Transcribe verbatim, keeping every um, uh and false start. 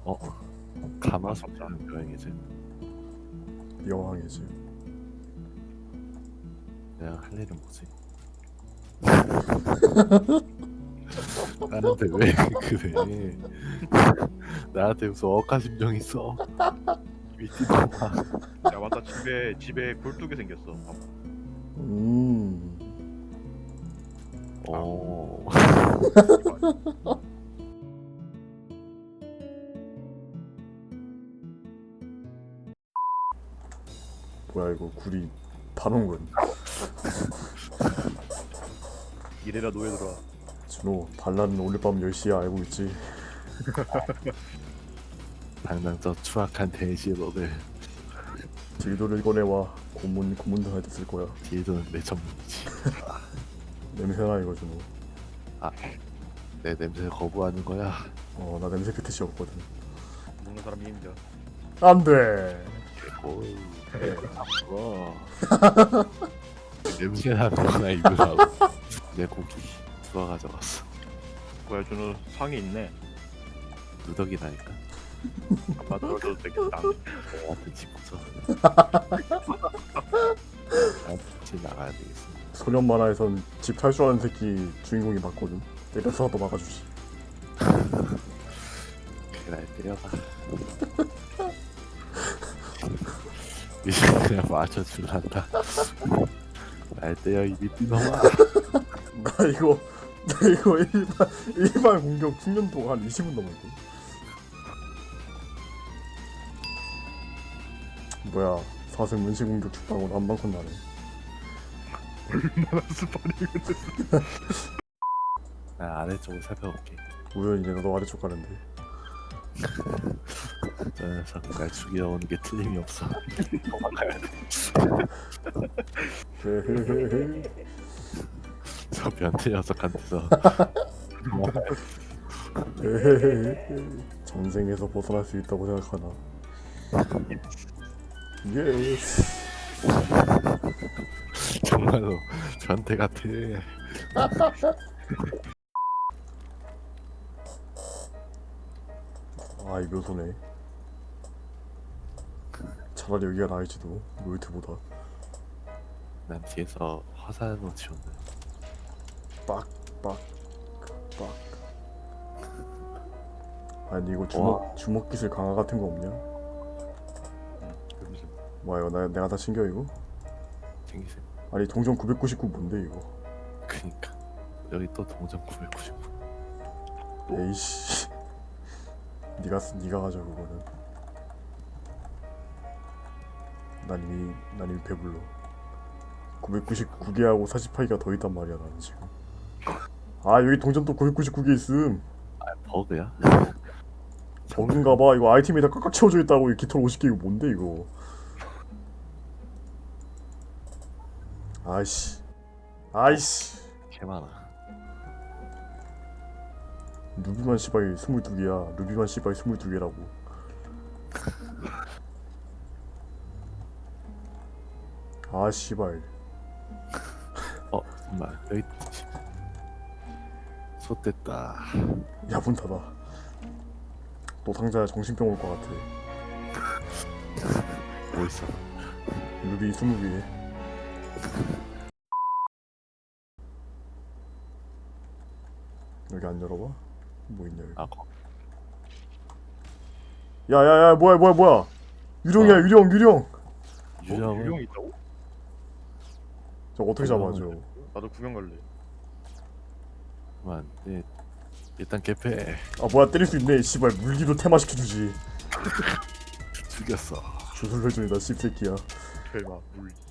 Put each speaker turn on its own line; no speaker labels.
어? 가마솥이라는 여행이지.
여왕이지.
내가 할 일은 뭐지? 나한테 왜 그래? 나한테 무슨 억하심정 있어? 미친놈아.
야 맞다, 집에 집에 굴뚝이 생겼어. 봐봐.
음.
어.
뭐야 이거 굴이 단원군.
이래라 노예들아.
준호 반란은 오늘 밤 열 시에 알고 있지.
당장 저 추악한 대시의 너를
딜도를 꺼내와. 고문 고문도 할 때 쓸 거야.
뒤에서는 내 전문이지.
냄새나 이거 준호.
내 냄새 거부하는 거야.
어 나 냄새 패티시 없거든.
먹는 사람이 힘들어.
안돼.
오, 아프어. 냄새 나는 거나 입으라고. 내 고기 누가 가져갔어?
뭐야, 준호 상이 있네.
누더기라니까.
아빠 떨어져도 되겠다.
너한테 짓고서 나한테 같이 나가야 되겠어.
소년 만화에선 집 탈출하는 새끼 주인공이 맞거든. 때려서라도 막아주지.
그래 날 때려봐. 이제 그냥 맞춰줄란다. 날 때려 이 미친놈아.
나 이거 나 이거 일반 일반 공격 숙련 동안 한 이십 분 넘었고. 뭐야 사슴 문시 공격 죽방으로 한 방컷 나네.
얼마나 스파링을
나 아래쪽을 살펴볼게.
우연히 내가 너 아래쪽 가는데.
저 녀석 날 죽이러 오는 게 틀림이 없어. 도망가야 돼.
헤헤헤헤.
저 변태 녀석한테서
헤헤헤헤. 전생에서 벗어날 수 있다고 생각하나. 예스.
정말로 변태 같아.
아 이 묘소네. 차라리 여기가 나을지도 롤트보다.
난 뒤에서 화살로 치웠네.
빡빡 빡. 아니 이거 주먹
와.
주먹 기술 강화 같은 거 없냐?
무슨
뭐야 이거 나, 내가 다 챙겨 이거?
챙기세요.
아니 동전 구백구십구 뭔데 이거?
그니까 여기 또 동전 구백구십구.
에이씨. 네가 쓰- 네가 가져 그거는. 난 이미 난 이미 배불러. 구백구십구 개하고 사십팔 개가 더 있단 말이야 나는 지금. 아 여기 동전 또 구백구십구 개 있음.
아 버그야?
버그인가봐. 이거 아이템이 다 꽉꽉 채워져 있다고. 이 깃털 오십 개 이거 뭔데 이거? 아이씨 아이씨.
개 많아.
루비만 씨발 스물두 개야. 루비만 씨발 스물두 개라고. 아 씨발.
어 정말 여기 솥됐다.
야분타다. 또 상자에 정신병 올 것 같아.
뭐 있어?
루비 스무 개. 여기 안 열어봐? 뭐 있냐 여기.
아 거.
야야야 뭐야 뭐야 뭐야. 유령이야
어.
유령 유령.
유령은
유령이 있다고?
저거 어떻게 잡아줘?
나도 구경 갈래.
그만. 예, 일단 개패
아 뭐야 때릴 수 있네. 씨발 물기로 테마시켜주지.
죽였어.
주술회전이다 씹새끼야.
설마 물.